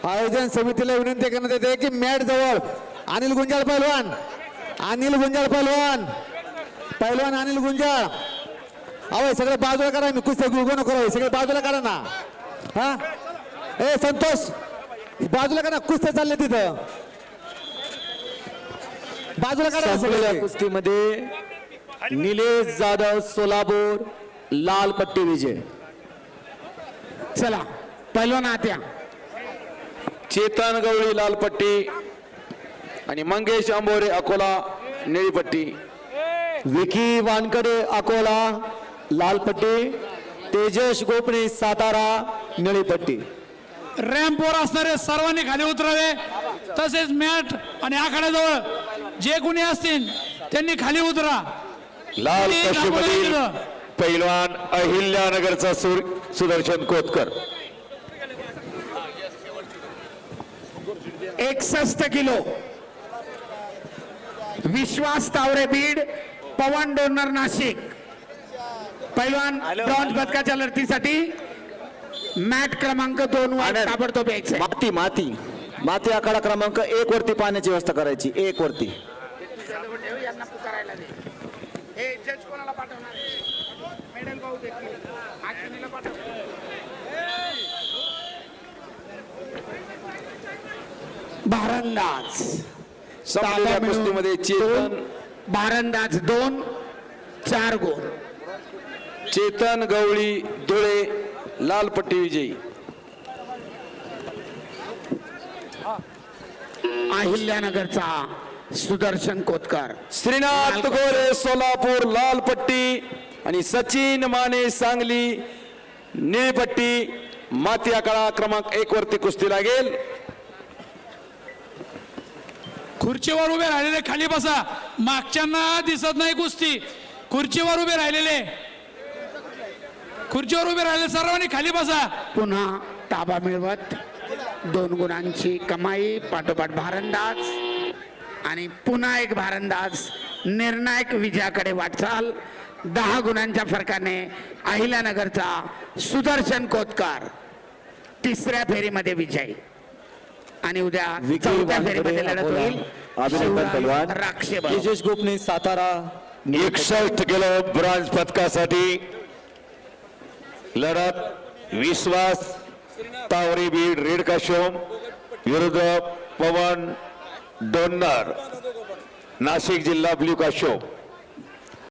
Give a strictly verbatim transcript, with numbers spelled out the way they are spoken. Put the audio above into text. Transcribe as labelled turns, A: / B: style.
A: आयोजन समितीला विनंती करण्यात येते की मॅट जवळ अनिल गुंजाळ पहलवान, अनिल गुंजाळ पहलवान, पहलवान अनिल गुंजाळ. अहो सगळे बाजूला करा, मी कुस्त्या गुळगो नको राहू, सगळे बाजूला करा ना. हा ए संतोष बाजूला करा, कुस्त्या चालले तिथं, बाजूला करा.
B: संपलेल्या कुस्तीमध्ये निलेश जाधव सोलापूर लाल पट्टी विजय.
A: चला पहलवान आत्या.
C: चेतन गवळी लाल पट्टी आणि मंगेश आंबोरे अकोला निळी पट्टी.
B: विकी वानकडे अकोला लाल पट्टी, तेजस गोपणे सातारा निळी पट्टी.
D: रॅम्पवर असणारे सर्वांनी खाली उतरावे, तसेच मॅट आणि आखाड्याजवळ जे कोणी असतील त्यांनी खाली उतरा.
C: लाल पट्टीमधील पैलवान अहिल्यानगरचा सुदर्शन कोतकर.
E: एकसष्ट किलो विश्वास तावरे बीड, पवन डोनर नाशिक. पैलवान ब्रॉन्झ पदकाच्या लढतीसाठी मॅट क्रमांक दोन वर ताबडतोब यायचे.
B: माती माती माती आखाडा क्रमांक एक वरती पाण्याची व्यवस्था करायची. एक वरती
E: भारंदाज
C: संपलेल्या कुस्तीमध्ये चेतन
E: भारंदाज दोन चार गुण.
C: चेतन गवळी धुळे लाल पट्टी विजयी.
E: अहिल्यानगरचा सुदर्शन कोतकर.
C: श्रीनाथ गोरे सोलापूर लाल पट्टी आणि सचिन माने सांगली निळी पट्टी. माती आखाडा क्रमांक एक वरती कुस्ती लागेल.
D: खुर्चीवर उभे राहिलेले खाली बसा, मागच्यांना दिसत नाही कुस्ती. खुर्चीवर उभे राहिलेले, खुर्चीवर उभे राहिलेले सर्वांनी खाली बसा.
E: पुन्हा ताबा मिळवत दोन गुणांची कमाई पाठोपाठ भारंदाज आणि पुन्हा एक भारंदाज निर्णायक विजयाकडे वाटचाल. दहा गुणांच्या फरकाने अहिल्यानगरचा सुदर्शन कोतकर तिसऱ्या फेरीमध्ये विजयी. आणि उद्या चौथ्या फेरीमध्ये लढत होईल
B: अभिनंदन पहलवान.
E: राक्षे
B: तेजस गोपणे सातारा
C: एकसष्ट किलो ब्रॉन्झ पदकासाठी लढत विश्वास तावरे बीड रेड काशोम विरुद्ध पवन डोन्नर नाशिक जिल्हा ब्ल्यू काशोम.